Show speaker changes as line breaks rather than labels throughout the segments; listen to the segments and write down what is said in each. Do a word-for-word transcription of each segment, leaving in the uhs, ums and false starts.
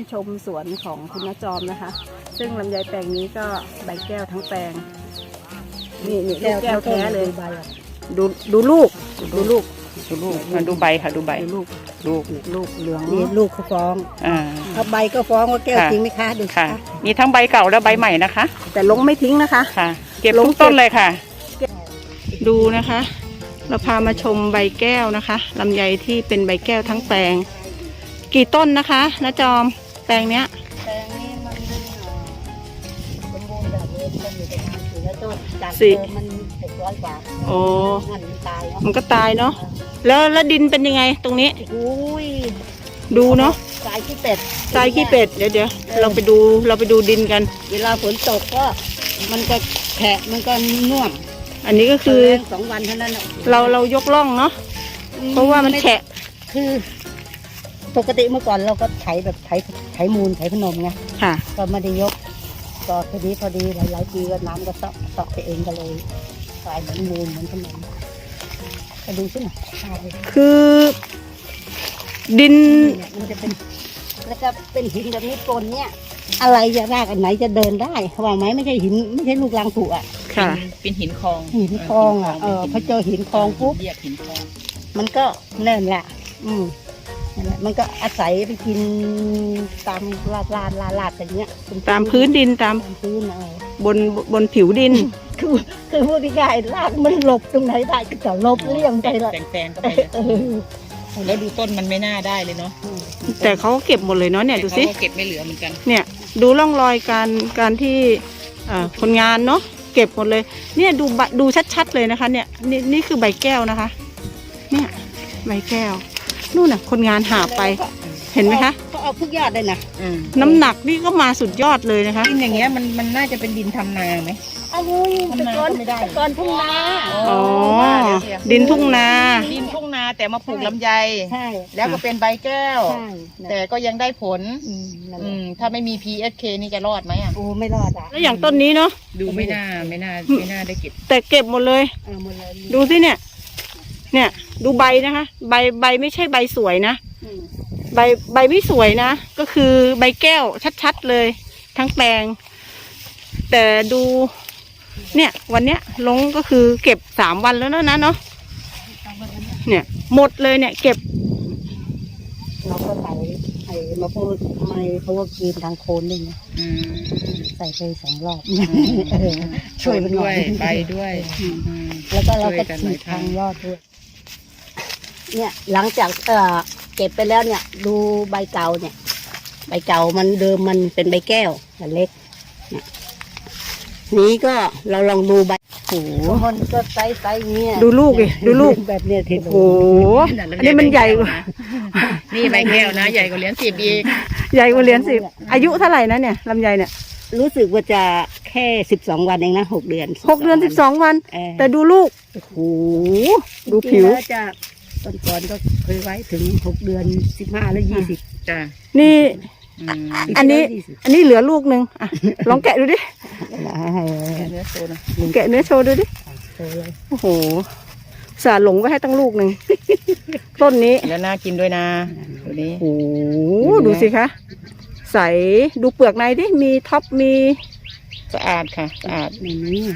ชมสวนของคุณน้าจอมนะคะ ซึ่งลำไยแปลงนี้ก็ใบแก้วทั้งแปลงนี่นี่ลูกแก้วแท้เลยดูดูลูกดูลูกดูลูกมาดูใบค่ะดูใบลูกลูกลูกเหลือง
นี่ลูกเขาฟ้องอ่าถ้าใบก็ฟ้องว่าแก้วจริงไหมคะดู
ค่ะมีทั้งใบเก่าและใบใหม่นะคะแต่ลงไม่ทิ้งนะคะค่ะเก็บทุกต้นเลยค่ะดูนะคะเราพามาชมใบแก้วนะคะลำไยที่เป็นใบแก้วทั้งแปลงกี่ต้นนะคะน้าจอมแปลงเนี้ย
แปลงนี้มันสมบูรณ์แบบนี้มันอยู่ประมาณสี่ร้อยต้นจากเดิมมันหกร้อยกว่า
โอ้
มันตาย
มันก็ตายเนาะแล้วแล้วดินเป็นยังไงตรงนี้
อุ้ย
ดูเนาะ
ทรายขี้เป็ด
ทรายขี้เป็ดเดี๋ยวเดี๋ยวเราไปดูเราไปดูดินกัน
เวลาฝนตกก็มันก็แฉะมันก็น่วม
อันนี้ก็คือ
สองวันเท่านั้น
เราเรายกล่องเนาะเพราะว่ามันแฉะ
คือปกติเมื่อก่อนเราก็ไถแบบไถไถมูลไถพนมไง
ค่ะ
ก็ไม่ได้ยกก็พอดีพอดีหลายๆปีก็น้ำก็เซาะเซาะไปเองก็เลยกลายเหมือนมูลเหมือนพนมไปดูสิหน่อย
คือดิน
มันจะเป็นแล้วก็เป็นหินแบบนี้ปนเนี่ยอะไรจะรากอันไหนจะเดินได้ว่าไหมไม่ใช่หินไม่ใช่ลูกรังผุอ่ะ
ค่ะ
เป็นหินคลอง
หินคลองอ่ะเออพอเจอหินคลองปุ๊บ
เรียกหินคลอง
มันก็เน่นแหละอืมนั่นแหละมันก็อาศัยไปกินตามลาดลาดลาดลาดอย่างเงี้ย
ตามพื้นดินตาม
พื้นเอ
อบนบนผิวดิน
คือคือพูดง่ายๆรากมันหลบตรงไหนได้ก็จะหลบเลี่ยงไปเลย
แตงๆก็ไปแล้วดูต้นมันไม่น่าได้เลยเนาะ
แต่เขาเก็บหมดเลยเนาะเนี่ยดูสิ
เก็บไม่เหลือเหมือนกัน
เนี่ยดูร่องรอยการการที่คนงานเนาะเก็บหมดเลยเนี่ยดูดูชัดๆเลยนะคะเนี่ยนี่นี่คือใบแก้วนะคะเนี่ยใบแก้วนู่นน่ะคนงานหาไปเห็นไหมคะ
เขาเอาทุกยอดเลยนะ
น้ำหนักนี่ก็มาสุดยอดเลยนะคะ
ดินอย่างเงี้ยมันมันน่าจะเป็นดินทำนาไหม
อ้าวตะกอนตะกอนทุ่งนา
อ๋อดินทุ่งนา
ดินทุ่งนาแต่มาปลูกลำไย
ใช่
แล้วก็เป็นใบแก้วแต่ก็ยังได้ผลถ้าไม่มี พี เอส เค นี่จะรอดไหมอ่ะ
โอ้ไม่รอดอ่ะ
แล้วอย่างต้นนี้เนาะ
ดูไม่น่าไม่น่าไม่น่าได้เก็บ
แต่เก็บหมดเลยดูสิเนี่ยเนี่ยดูใบนะคะใบใบไม่ใช่ใบสวยนะใบใบไม่สวยนะก็คือใบแก้วชัดๆเลยทั้งแปลงแต่ดูเนี่ยวันเนี้ยลงก็คือเก็บสามวันแล้วนะนะเนาะเนี่ยหมดเลยเนี่ยเก็บ
เราก็ใส่ไอ้มาพูดไม่เพราะว่ากินทางโคนนี่ไงใส่ไปสองรอบช่วยมันหน่อย
ไปด้วย
แล้วก็เราก็ฉีดทางยอดด้วยเนี่ยหลังจากเอ่อเก็บไปแล้วเนี่ยดูใบเก่าเนี่ยใบเก่ามันเดิมมันเป็นใบแก้วแต่เล็กเนี่ยนี้ก็เราลองดูใบโอ้โหมันก็ไซส์ไซส์เนี้ย
ดูลูกดิดูลูก
แบบเนี้ยที
โอ้โหอันนี้มันใหญ่กว่า
นี่ใบแก้วนะใหญ่กว่าเหรียญสิบอีก
ใหญ่กว่าเหรียญสิบอายุเท่าไหร่นะเนี่ยลำไยเนี่ย
รู้สึกว่าจะแค่สิบสองวันเองนะหกเดือน
หกเดือนสิบสองวันแต่ดูลูกโอ้โหดูผิว
จะต้นก่อนก็เคยไว้ถึงหกเดือนสิบห้าแล้วยี่สิบ
จ้ะ
นี่อันนี้อันนี้เหลือลูกหนึ่งอ่ะลองแกะดูดิ
แกะเนื้อโชว์นะ
แกะเนื้อโชว์ดูดิโอ้โหสาหลงไว้ให้ตั้งลูกหนึ่งต้นนี้
แล้วน่ากินด้วยนะตัวนี้
โอ้โหดูสิคะใสดูเปลือกในดิมีท็อปมี
สะอาดค่ะสะอาด
นี่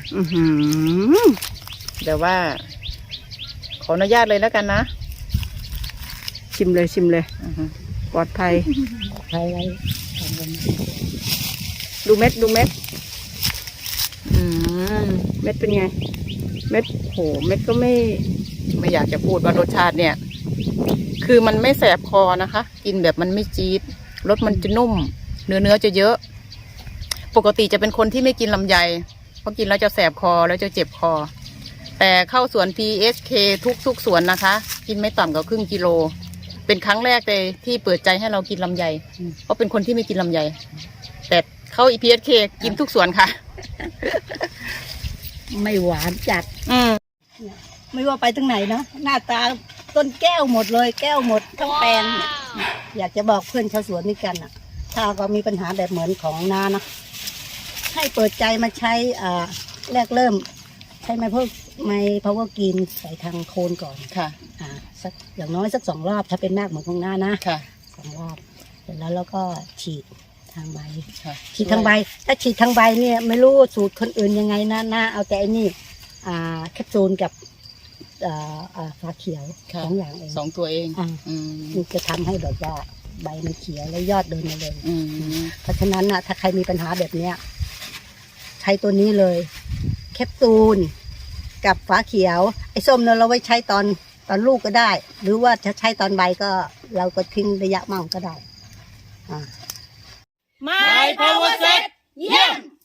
เดี๋ยวว่าขออนุญาตเลยแล้วกันนะ
ชิมเลยชิมเลยปลอดภัย
ใช่เลย
ดูเม็ดดูเม็ดอืมเม็ดเป็นไงเม็ดโหเม็ดก็ไม่
ไม่อยากจะพูดว่ารสชาติเนี่ยคือมันไม่แสบคอนะคะกินแบบมันไม่จี๊ดรสมันจะนุ่มเนื้อเนื้อจะเยอะปกติจะเป็นคนที่ไม่กินลำไยเพราะกินแล้วจะแสบคอแล้วจะเจ็บคอแต่เข้าสวน พี เอส เค ทุกทุกสวนนะคะกินไม่ต่ำกว่าครึ่งกิโลเป็นครั้งแรกเลยที่เปิดใจให้เรากินลำไยเพราะเป็นคนที่ไม่กินลำไยแต่เข้า พี เอส เค กินทุกสวนค่ะ
ไม่หวานจัด
อืม
ไม่ว่าไปตรงไหนเนาะหน้าตาต้นแก้วหมดเลยแก้วหมดทั้งแปลงอยากจะบอกเพื่อนชาวสวนนี่กันอ่ะถ้าก็มีปัญหาแบบเหมือนของนานะให้เปิดใจมาใช้อ่าแรกเริ่มใช้ไม้พวกไม้พาวเวอร์กินใส่ทางโคนก่อน
ค่ะ
อ่าสักอย่างน้อยสักสองรอบถ้าเป็นมากเหมือนของนานะ
ค่ะ
สองรอบเสร็จแล้วเราก็ฉีดทางใบ
ค่ะ
ฉีดทางใบ ถ้าฉีดทางใบเนี่ยไม่รู้สูตรคนอื่นยังไงนะนะเอาแต่อันนี้อ่าแคปซูลกับอ่าอ่าฝาเขียว
ค่ะ
สองอย่างเอง
สองตัวเอง
อ่า
อืม
มันจะทำให้แบบว่าใบมันเขียวและยอดเดินมาเลย
อืม
เพราะฉะนั้นนะถ้าใครมีปัญหาแบบเนี้ยใช้ตัวนี้เลยแคปซูลกับฝาเขียวไอ้ส้มเนี่ยเราไว้ใช้ตอนตอนลูกก็ได้ หรือว่าจะใช้ตอนใบก็เราก็ทิ้งระยะมั่งก็ได้อ่า
My Power Set เยี่ยม